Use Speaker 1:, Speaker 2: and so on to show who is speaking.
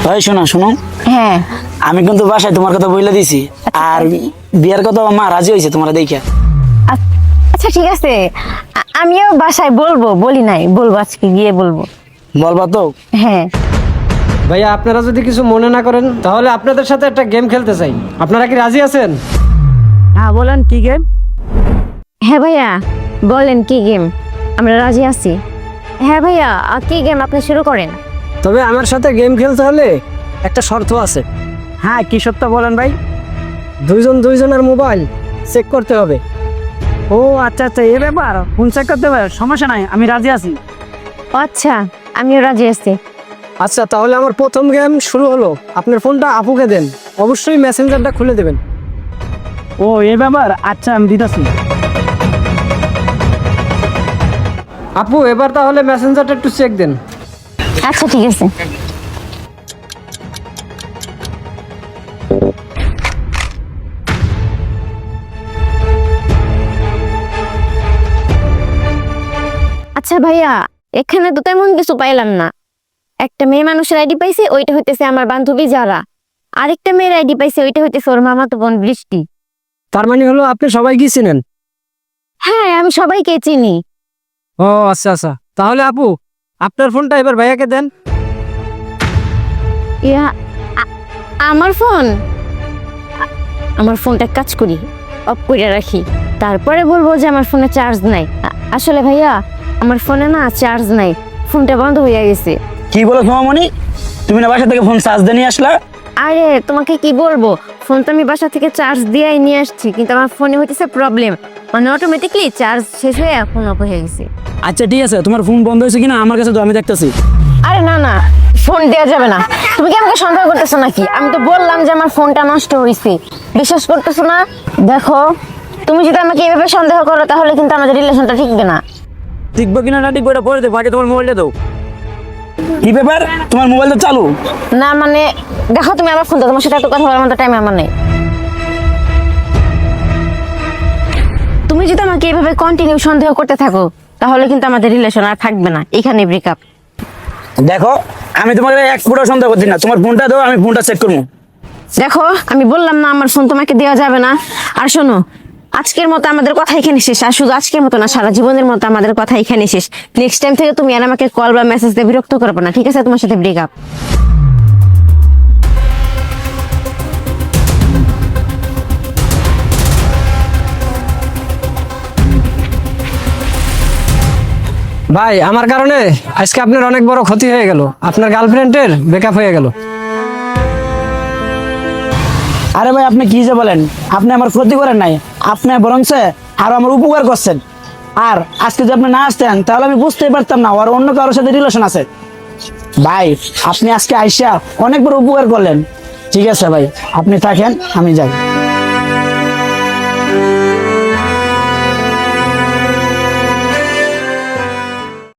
Speaker 1: ভাই শোনো শোনো,
Speaker 2: হ্যাঁ
Speaker 1: আমি কিন্তু বাসায় তোমার কথা বলে দিছি। আর বিয়ার কথা মা রাজি হয়েছে তোমরা দেখে।
Speaker 2: আচ্ছা ঠিক আছে, আমিও বাসায় বলবো, বলি নাই, বলবো আজকে গিয়ে বলবো।
Speaker 1: বলবা তো?
Speaker 2: হ্যাঁ
Speaker 3: ভাইয়া আপনারা যদি কিছু মনে না করেন তাহলে আপনাদের সাথে একটা গেম খেলতে চাই। আপনারা কি রাজি আছেন?
Speaker 4: হ্যাঁ বলেন কি গেম?
Speaker 2: হ্যাঁ ভাইয়া বলেন কি গেম, আমরা রাজি আছি। হ্যাঁ ভাইয়া কি গেম, আপনি শুরু করেন।
Speaker 3: তবে আমার সাথে গেম খেলতে হলে একটা শর্ত আছে।
Speaker 4: হ্যাঁ কি সত্য বলেন ভাই?
Speaker 3: দুইজনের মোবাইল চেক করতে হবে।
Speaker 4: ও আচ্ছা আচ্ছা, এ ব্যাপার ফোন চেক করতে হবে, সমস্যা নাই, আমি রাজি আছি।
Speaker 2: আচ্ছা আমিও রাজি আছি।
Speaker 3: আচ্ছা তাহলে আমার প্রথম গেম শুরু হলো। আপনার ফোনটা আপুকে দেন, অবশ্যই মেসেঞ্জারটা খুলে দেবেন।
Speaker 4: ও এ ব্যাপার, আচ্ছা আমি দিতেছি।
Speaker 3: আপু এবার তাহলে মেসেঞ্জারটা একটু চেক দেন।
Speaker 2: আচ্ছা ঠিক আছে। আচ্ছা ভাইয়া, এখানে তো তেমন কিছু পাইলাম না। একটা মেয়ে মানুষের আইডি পাইছে, ওইটা হইতেছে আমার বান্ধবী যারা। আরেকটা মেয়ের আইডি পাইছে, ওইটা হইতেছে ওর মামাতো বোন বৃষ্টি।
Speaker 3: তার মানে হলো আপনি সবাইকে চিনেন?
Speaker 2: হ্যাঁ আমি সবাইকে চিনি।
Speaker 3: ও আচ্ছা আচ্ছা, তাহলে আপু আপনার ফোনটা এবার ভাইয়াকে দেন।
Speaker 2: ইয়া আমার ফোন, আমার ফোনটা কাজ করি, অফ করে রাখি, তারপরে বলবো যে আমার ফোনে চার্জ নাই। আসলে ভাইয়া আমার ফোনে না চার্জ নাই, ফোনটা বন্ধ হয়ে গেছে।
Speaker 1: কি বলো সোমামণি, তুমি না বাসা থেকে ফোন চার্জ দিয়ে নিয়ে আসলা?
Speaker 2: আরে তোমাকে কি বলবো, ফোন তো আমি বাসা থেকে চার্জ দিয়েই নিয়ে আসছি, কিন্তু আমার ফোনে হইতেছে প্রবলেম, মানে অটোমেটিকলি চার্জ শেষ হয়ে ফোন অফ হয়ে গেছে।
Speaker 1: আচ্ছা ঠিক আছে, তোমার ফোন বন্ধ হয়েছে কিনা আমার কাছে তো, আমি দেখতেছি।
Speaker 2: আরে না না, ফোন দেওয়া যাবে না। তুমি কি আমাকে সন্দেহ করতেছো নাকি? আমি তো বললাম যে আমার ফোনটা নষ্ট হয়েছে, বিশ্বাস করতেছো না? দেখো তুমি যদি আমাকে এভাবে সন্দেহ করো তাহলে কিন্তু আমাদের রিলেশনটা ঠিকবে না।
Speaker 1: টিকবো কিনা না টিকবো এটা পরে দেবো, আগে তোমার মোবাইলটা দাও। কি ব্যাপার, তোমার মোবাইল তো চালু?
Speaker 2: না মানে দেখো তুমি আমার ফোনটা, তোমার সাথে এত কথা বলার মতো টাইম আমার নেই। তুমি যদি আমাকে এভাবে কন্টিনিউ সন্দেহ করতে থাকো তাহলে কিন্তু আমাদের রিলেশন আর থাকবে না, এখানে ব্রেকআপ।
Speaker 1: দেখো আমি তোমাকে এক ফুটো সন্দেহ করছি না, তোমার ফোনটা দাও, আমি ফোনটা চেক করবো।
Speaker 2: দেখো আমি বললাম না আমার ফোন তোমাকে দেওয়া যাবে না। আর শোনো, আজকের মতো আমাদের কথা এখানে শেষ, আর শুধু আজকের মতো না, সারা জীবনের মতো আমাদের কথা এখানে শেষ। নেক্সট টাইম থেকে তুমি আর আমাকে কল বা মেসেজ দিয়ে বিরক্ত করবে না, ঠিক আছে? তোমার সাথে ব্রেকআপ।
Speaker 3: ভাই আমার কারণে আজকে আপনার অনেক বড় ক্ষতি হয়ে গেল, আপনার গার্লফ্রেন্ডের ব্রেকআপ হয়ে গেল।
Speaker 1: আরে ভাই আপনি কি যে বলেন, আপনি আমার ক্ষতি করেন নাই, আপনি বরঞ্চ আরো আমার উপকার করছেন। আর আজকে যদি আপনি না আসতেন তাহলে আমি বুঝতেই পারতাম না আর অন্য কারোর সাথে রিলেশন আছে। ভাই আপনি আজকে আইসা অনেক বড় উপকার করলেন। ঠিক আছে ভাই, আপনি থাকেন, আমি যাই।